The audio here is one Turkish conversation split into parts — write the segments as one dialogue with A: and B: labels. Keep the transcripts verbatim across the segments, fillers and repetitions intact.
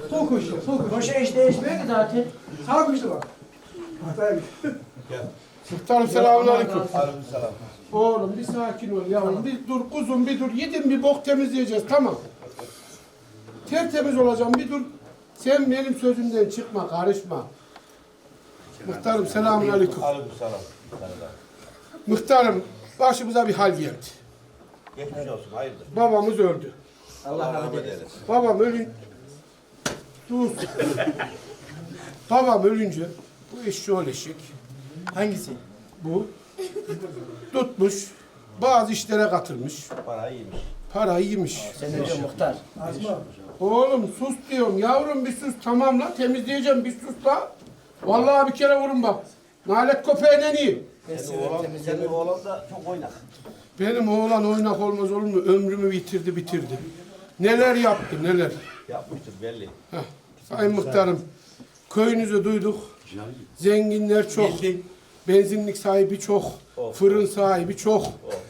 A: Sol koşuyor, sol koşuyor.
B: Koşa hiç değişmiyor ki zaten.
A: Sağ koştu bak. Hataya git.
C: Muhtarım selamünaleyküm.
D: Aleykümselam.
C: Oğlum bir sakin ol yavrum. Bir dur kuzum bir dur. Yedim bir bok temizleyeceğiz tamam. Tertemiz olacağım bir dur. Sen benim sözümden çıkma karışma. Muhtarım selamünaleyküm.
D: Aleykümselam.
C: Muhtarım başımıza bir hal geldi.
D: Geçmiş olsun, hayırdır?
C: Babamız öldü.
D: Allah rahmet eylesin.
C: Babam ölün... Dur. Babam ölünce bu eşşi eşek.
B: Hangisi?
C: Bu tutmuş bazı işlere katılmış.
D: Para iyiymiş.
C: Parayı yemiş.
B: Sen önce muhtar.
A: Azma.
C: Oğlum sus diyorum yavrum bir sus tamam la temizleyeceğim bir sus la. Vallahi bir kere vurun bak. Nalet köpeğine iyi.
D: Senin oğlan, senin oğlan da çok oynak.
C: Benim oğlan oynak olmaz olur mu? Ömrümü bitirdi bitirdi. Neler yaptı neler.
D: Yapmıştır belli.
C: Heh. Sayın Muhtarım köyünüzü duyduk. Zenginler çok. Benzinlik sahibi çok. Fırın sahibi çok.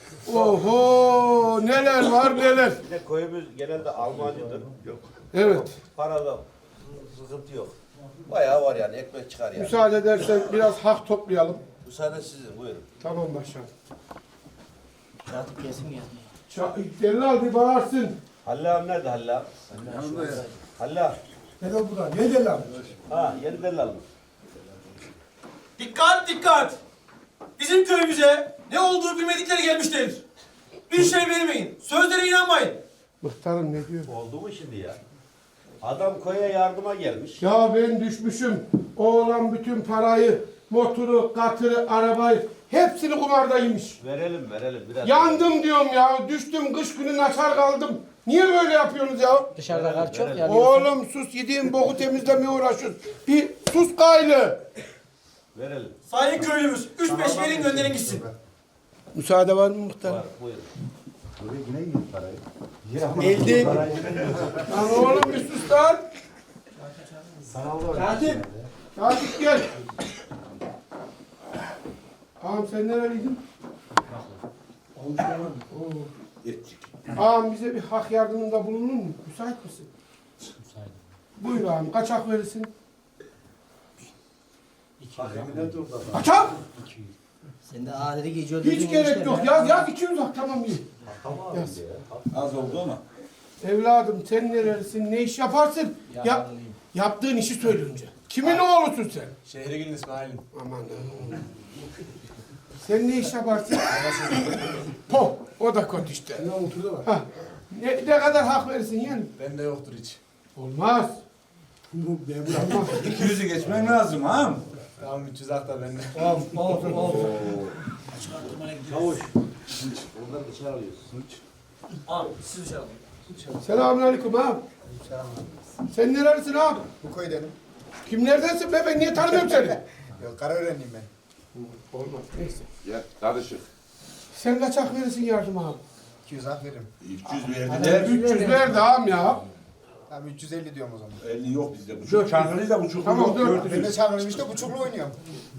C: Oho neler var neler.
D: Bir de köyümüz genelde Almancıdır. Yok.
C: Evet.
D: Parada sıkıntı yok. Bayağı var yani, ekmek çıkar yani.
C: Müsaade edersen biraz hak toplayalım.
D: Müsaade sizin, buyurun.
C: Tamam başkanım.
B: Yatıp kesim gelmiyor.
C: Delal bir bağırsın.
D: Halil abi nerede Halil abi? Halil abi.
A: Ne de burada? Ne de lan?
D: Ha, yeni delal mı?
E: Dikkat dikkat! Bizim köyümüze ne olduğu bilmedikleri gelmiştir. Bir şey bilmeyin. Sözlere inanmayın.
C: Muhtarım ne diyor?
D: Oldu mu şimdi ya? Adam köye yardıma gelmiş.
C: Ya ben düşmüşüm. Oğlan bütün parayı, motoru, katırı, arabayı hepsini kumarda yemiş.
D: Verelim, verelim. Biraz
C: Yandım diyorum ya. Düştüm kış günü açar kaldım. Niye böyle yapıyorsunuz ya?
B: Dışarıda kar çok ya.
C: Oğlum sus yediğin boku temizlemeye uğraşıyorsun. Bir sus gaylı.
D: Verelim.
E: Sayın köylümüz, üç beş verin gönderin gitsin.
C: Müsaade var mı muhtarım?
D: Var, buyurun.
C: Geldi. Lan oğlum bir sus lan.
A: Katip.
C: Katip gel. Ağam sen nereliydin? Ağam bize bir hak yardımında bulunur mu? Müsait misin? Müsaitim. Buyur ağam. Kaç hak verirsin? Kaçak?
B: Sen de adeti geçiyor.
C: Hiç gerek yok. Yaz yaz iki yüz hak tamam iyi. Yaz.
F: Az oldu ama.
C: Evladım sen nerelisin? Ne iş yaparsın? Ya, yaptığın işi söyle önce. Kimin oğlusun sen?
E: Şehrigil'in İsmail'in.
C: Aman. Sen ne iş yaparsın? Po. O da kötü işte.
A: Ne oturdu var?
C: Ha. Ne, ne kadar hak verirsin yani?
E: Bende yoktur hiç.
C: Olmaz.
A: Bu memur.
C: Olmaz.
F: iki yüzü geçmen lazım ha.
E: Tamam üç yüz hak da bende.
C: Olsun olsun.
D: Çavuş. Onları dışarı alıyorsun.
E: Abi siz dışarı alın.
C: Selamünaleyküm abi. Sen nerelisin abi?
G: Bu köydenim.
C: Kimlerdensin be? Ben niye tanımıyorum seni?
G: Yok, Karaörenliyim ben.
C: Olmaz. Neyse.
F: Ya karışık.
C: Sen kaç hak verirsin yardım abi?
G: iki yüz hak veririm.
F: üç yüz verdiler.
C: üç yüz ver de ağam ya.
G: Tamam üç yüz elli diyorum o zaman.
F: elli yok bizde. Buçuk çankırı da buçuk
C: Tamam,
F: yok.
C: dört
F: dört
G: Ben de
F: yüz.
G: çağırmışım işte buçuklu oynuyorum.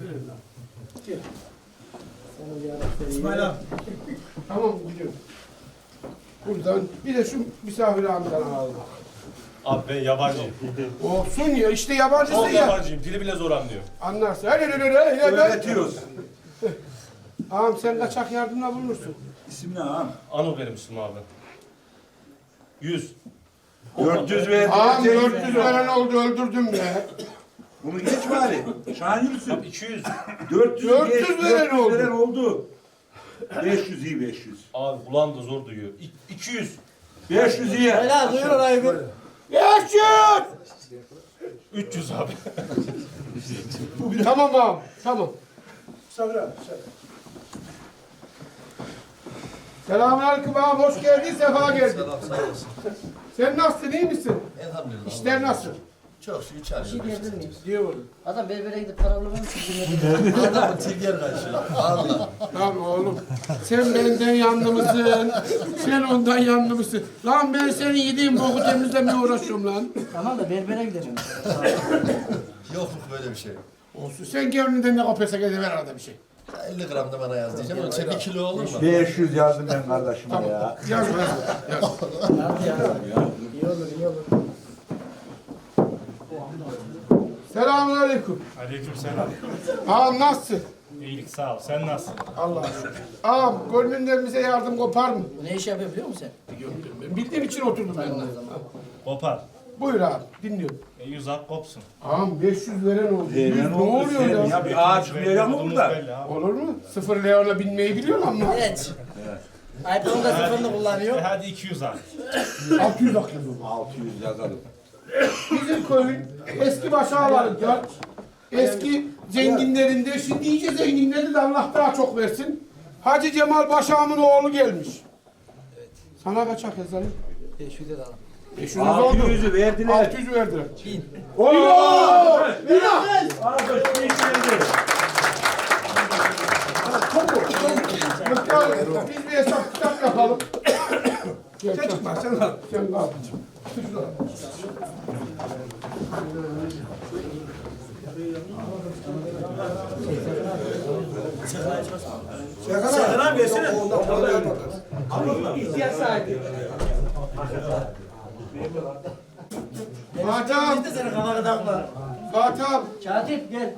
E: İsmail abi.
C: Tamam gidiyorum. Buradan bir de şu misafir ağamdan alalım.
H: Abi ben yabancıyım.
C: Olsun ya işte yabancısın
H: Çok
C: ya.
H: yabancıyım. Dili bile zor anlıyor.
C: Anlarsın. Öyle öyle öyle öyle. öyle.
F: Öğretiyoruz.
C: Ağam sen kaçak yardımla bulunursun.
F: İsim ne ha?
H: Anıl benim ismim abi. Yüz.
F: dört yüz verdiler.
C: Ağam
F: tek
C: dört yüz veren oldu öldürdüm ya.
F: Bunu geç bari. Şahin Yusuf.
H: İki yüz.
F: dört yüz
C: dört yüz
F: geç,
C: veren oldu.
F: veren oldu. beş yüz iyi beş yüz.
H: Abi kulağım da zor duyuyor. İ- iki yüz.
F: beş yüz iyi.
B: Helal duyur orayı bir.
C: Yaşın!
H: Üç yüz abi.
C: Tamam ağam. Tamam.
A: Sabır abi. Sabır.
C: Selamünaleyküm ağam. Hoş geldin. Sefa geldin.
D: Selam, sağ olasın.
C: Sen nasılsın? İyi misin?
D: Elhamdülillah.
C: İşler nasıl?
D: Çok şükür
B: Bir
D: çalışıyoruz.
B: şey diyebilir miyim?
C: Diye oğlum.
B: Adam berbere gidip para bulamamış ki.
D: Adamın tilger karşılıyor. Allah.
C: Tamam oğlum. Sen benden yanlı mısın? Sen ondan yanlı mısın? Lan ben senin yediğin boku temizlemeye uğraşıyorum lan.
B: Tamam da berbere gidelim.
D: Yokluk böyle bir şey.
C: Olsun. Sen gönlünden ne koparsa gel ver arada bir şey.
D: elli gram da bana yaz diyeceğim. Ama sen bir kilo olur mu?
F: beş yüz yazdım ben kardeşime ya.
C: Yazma yazma. Yaz.
B: Hadi ya. İyi olur iyi olur.
C: Selamünaleyküm.
H: Aleykümselam.
C: Ağam nasılsın?
H: İyilik sağ ol. Sen nasılsın?
C: Allah'a şükür. Ağam gönlünden bize yardım kopar mı?
B: Bu ne iş yapıyor biliyor musun sen?
C: Ben bildiğim için oturdum ben de.
H: Kopar.
C: Buyur abi dinliyorum.
H: E, yüz ak kopsun.
C: Ağam beş yüz veren oldu.
F: Ee,
C: yüz
F: ne
C: ne
F: oldu
C: oluyor
F: senin
C: ya?
F: ya? Bir ağaç çıkmayacak mı
H: Olduğumuz
F: burada?
H: belli abi.
C: Olur mu? Sıfır Leon'a binmeyi biliyorsun ama.
B: Evet. iPhone'un da sıfırını
H: E,
B: kullanıyor.
H: hadi iki yüz ak.
C: altı yüz aklım.
F: altı yüz yazalım.
C: Bizim köyün eski başağlarında, eski zenginlerinde, şimdi iyice zenginleri de Allah daha çok versin. Hacı Cemal Başağım'ın oğlu gelmiş. Sana kaç hak yazalım?
B: beş yüz lira alalım.
C: beş yüz oldu.
F: altı yüzü verdiler.
C: altı yüz verdiler.
B: Bin.
C: Oo! Lina! Muhtar, biz bir hesap kitap yapalım. Gel,
A: Sen çıkma sen al.
C: Sen kal.
A: Serkan abi.
E: Serkan abi versene.
A: Ondan para yapmadık.
C: Fatih abi,
B: Biz de senin kafana takma.
C: Fatih abi,
B: Katip gel.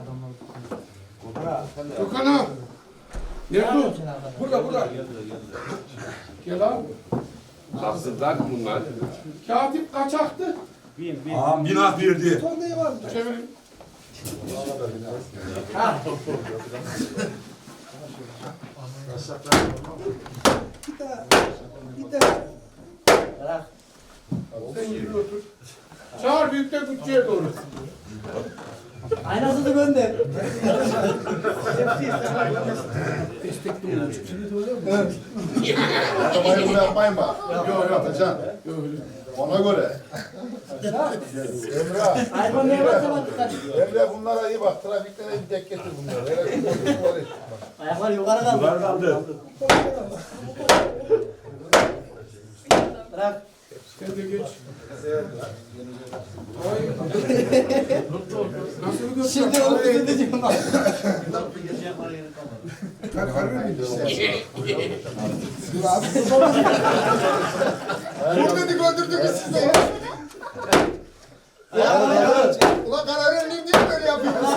C: Gökhan abi. Nerede o?
B: Sen arkadaş.
A: Burada burada.
C: Gel abi.
F: Nasıllar bunlar?
C: Katip kaçaktı.
F: Ağam bin ak verdi.
A: Son neyi var mı?
C: Çevirin.
A: Bir daha. Bir daha.
B: Bırak.
C: Sen yerine otur. Çağır büyükler bütçeye doğru.
B: Aynasını gönder.
G: Arabayı buraya yapmayın bak. Yok yok Atacan. Ona göre. Emre,
B: iPhone neye basma dikkat.
G: Emre bunlara iyi bak. Trafikte de bir tek getir bunları. Hele bunları et.
B: Ayaklar yukarı kaldı.
F: Var kaldı.
B: Bırak.
C: Sen de geç. Nasıl bir göster?
B: Şimdi onu ödeyeceğim bak.
A: Ben harbi miyim?
G: Dur dedik öldürdünüz siz de. Ulan karar vermeyeyim diye böyle yapıyorsunuz.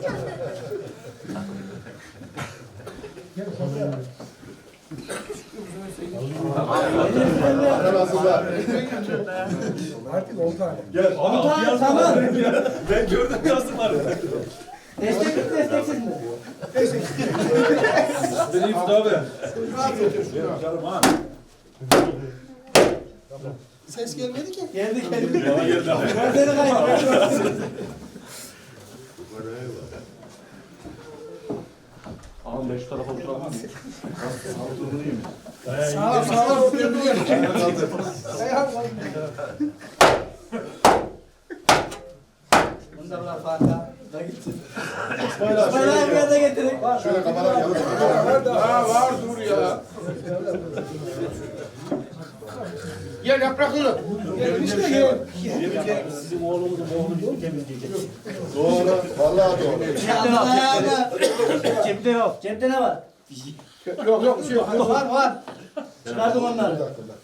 G: Nasıllar?
A: Artık on tane.
B: Tamam tamam.
H: Ben gördüm yazdıkları.
B: Destek mi desteksiz mi?
H: Beni iftar ver.
A: Ses gelmedi ki.
B: Geldi geldi. Ben seni kaybettim.
F: Ağam beş tarafa oturamaz mı?
A: Sağ ol sağ ol. Oturuyorum.
B: Bunu da bırak Fatih abi. Da gitsin. İsmail abiye de getirin.
G: Şöyle kafadan yapın.
C: Ha var dur ya. Gel yapraklı. Gel işte gel.
G: Doğru. Vallahi doğru.
B: Cepte yok. Cepte ne var?
C: Yok yok bir şey yok.
B: Var var. Çıkardım onları.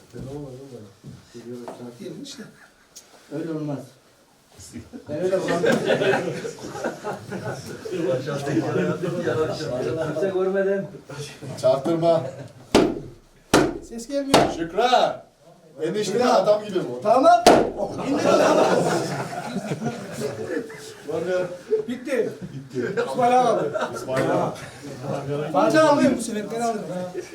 A: İşte.
B: Öyle olmaz. Ben öyle bulamam. Kimse görmedim.
G: Çarptırma.
A: Ses gelmiyor.
G: Şükra. Enişte adam gibi bu.
B: Tamam.
C: Bitti. İsmail abi.
A: Ben alayım bu sefer. Ben alayım.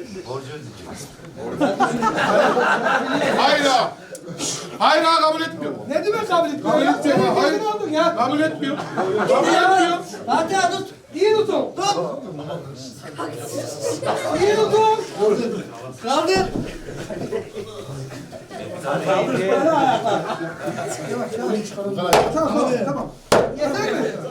C: Hayra. Hayra kabul etmiyor.
A: Ne demek kabul etmiyor
C: Kabul
A: ya?
C: etmiyor.
A: Senin
C: Hayır.
A: kendin aldın ya.
C: Kabul etmiyor. Kabul etmiyor.
B: Fatih abi tut.
A: İyi tutun.
B: Tut.
A: İyi tutun.
B: Kaldır.
A: Tamam tamam. Yeter mi?